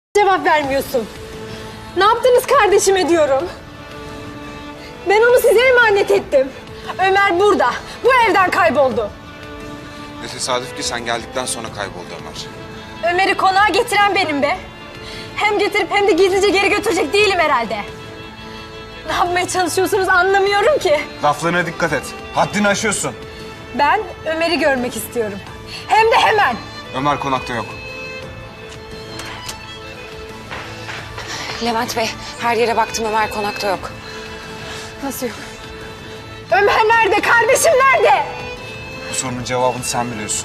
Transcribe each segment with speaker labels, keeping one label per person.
Speaker 1: Cevap vermiyorsun. Ne yaptınız kardeşime diyorum. Ben onu size emanet ettim. Ömer burada. Bu evden kayboldu.
Speaker 2: Ne tesadüf ki sen geldikten sonra kayboldu Ömer.
Speaker 1: Ömer'i konağa getiren benim be. Hem getirip hem de gizlice geri götürecek değilim herhalde. Ne yapmaya çalışıyorsunuz anlamıyorum ki.
Speaker 2: Laflarına dikkat et. Haddini aşıyorsun.
Speaker 1: Ben Ömer'i görmek istiyorum. Hem de hemen.
Speaker 2: Ömer konakta yok.
Speaker 3: Levent Bey, her yere baktım, Ömer konakta yok.
Speaker 1: Nasıl yok? Ömer nerede? Kardeşim nerede?
Speaker 2: Bu sorunun cevabını sen biliyorsun.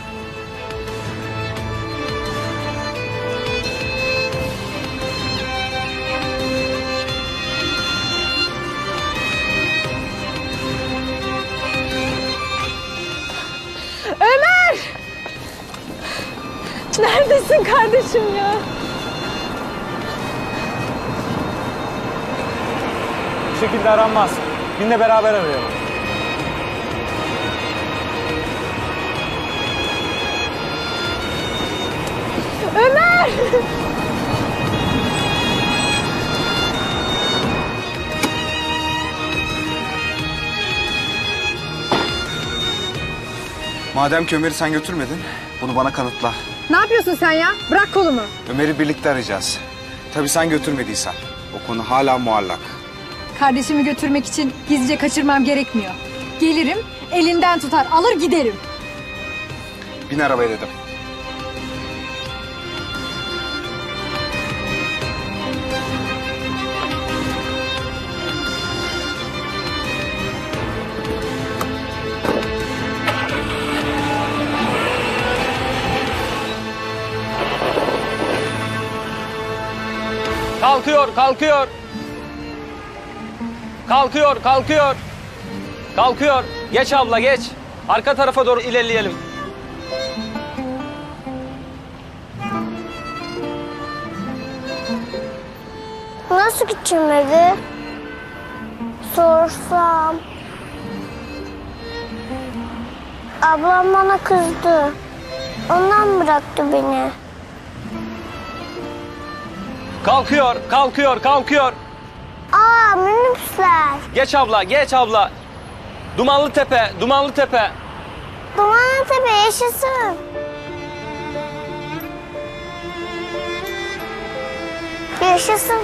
Speaker 1: Ömer! Neredesin kardeşim ya?
Speaker 4: Bu şekilde aranmaz. Binle beraber arayalım.
Speaker 1: Ömer!
Speaker 2: Madem ki Ömer'i sen götürmedin, bunu bana kanıtla.
Speaker 1: Ne yapıyorsun sen ya? Bırak kolumu.
Speaker 2: Ömer'i birlikte arayacağız. Tabii sen götürmediysen. O konu hala muallak.
Speaker 1: Kardeşimi götürmek için gizlice kaçırmam gerekmiyor. Gelirim, elinden tutar, alır giderim.
Speaker 2: Bin arabaya dedim.
Speaker 4: Kalkıyor, kalkıyor. Kalkıyor, kalkıyor. Kalkıyor. Geç abla, geç. Arka tarafa doğru ilerleyelim.
Speaker 5: Nasıl gideceğim eve? Sorsam. Ablam bana kızdı. Ondan bıraktı beni.
Speaker 4: Kalkıyor, kalkıyor, kalkıyor.
Speaker 5: Aa, minibüsler.
Speaker 4: Geç abla, geç abla. Dumanlı Tepe, Dumanlı Tepe.
Speaker 5: Dumanlıtepe yaşasın. Yaşasın.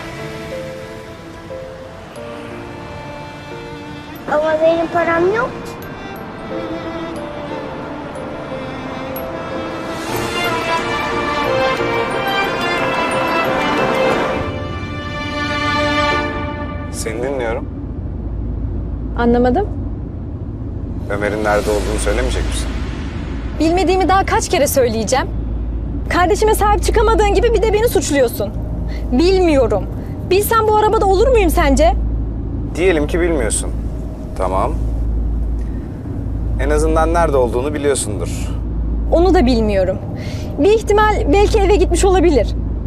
Speaker 5: Ama benim param yok ki.
Speaker 2: Seni dinliyorum.
Speaker 1: Anlamadım.
Speaker 2: Ömer'in nerede olduğunu söylemeyecek misin?
Speaker 1: Bilmediğimi daha kaç kere söyleyeceğim. Kardeşime sahip çıkamadığın gibi bir de beni suçluyorsun. Bilmiyorum. Bilsem bu arabada olur muyum sence?
Speaker 2: Diyelim ki bilmiyorsun. Tamam. En azından nerede olduğunu biliyorsundur.
Speaker 1: Onu da bilmiyorum. Bir ihtimal belki eve gitmiş olabilir.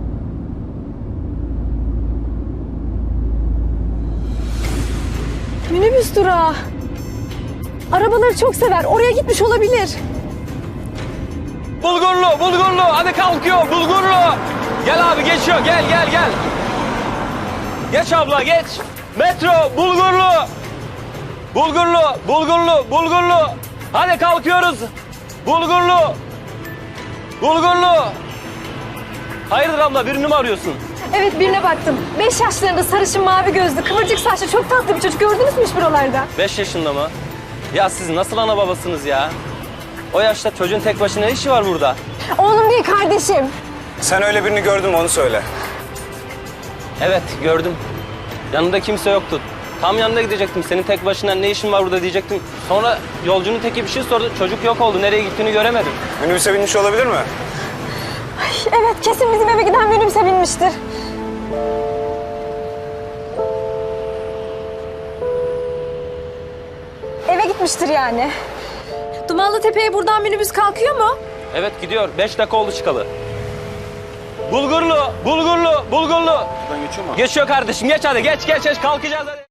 Speaker 1: Minibüs durağı. Arabaları çok sever. Oraya gitmiş olabilir.
Speaker 4: Bulgurlu, Bulgurlu. Hadi kalkıyor, Bulgurlu. Gel abi, geçiyor. Gel, gel, gel. Geç abla, geç. Metro, Bulgurlu. Bulgurlu, Bulgurlu, Bulgurlu. Hadi kalkıyoruz. Bulgurlu. Bulgurlu. Hayırdır abla, birini mi arıyorsun?
Speaker 1: Evet, birine baktım. 5 yaşlarında sarışın mavi gözlü, kıvırcık saçlı çok tatlı bir çocuk. Gördünüz mü hiç buralarda?
Speaker 4: 5 yaşında mı? Ya siz nasıl ana babasınız ya? O yaşta çocuğun tek başına ne işi var burada?
Speaker 1: Oğlum değil kardeşim.
Speaker 2: Sen öyle birini gördün mü onu söyle.
Speaker 4: Evet, gördüm. Yanında kimse yoktu. Tam yanına gidecektim. Senin tek başına ne işin var burada diyecektim. Sonra yolcunun teki bir şey sordu. Çocuk yok oldu. Nereye gittiğini göremedim.
Speaker 2: Minibüse binmiş olabilir mi?
Speaker 1: Evet, kesin bizim eve giden minibüse binmiştir. Eve gitmiştir yani. Dumanlı Tepe'ye buradan minibüs kalkıyor mu?
Speaker 4: Evet, gidiyor. 5 dakika oldu çıkalı. Bulgurlu, Bulgurlu, Bulgurlu.
Speaker 2: Buradan geçiyor mu?
Speaker 4: Geçiyor kardeşim. Geç hadi. Geç, geç, geç. Kalkacağız hadi.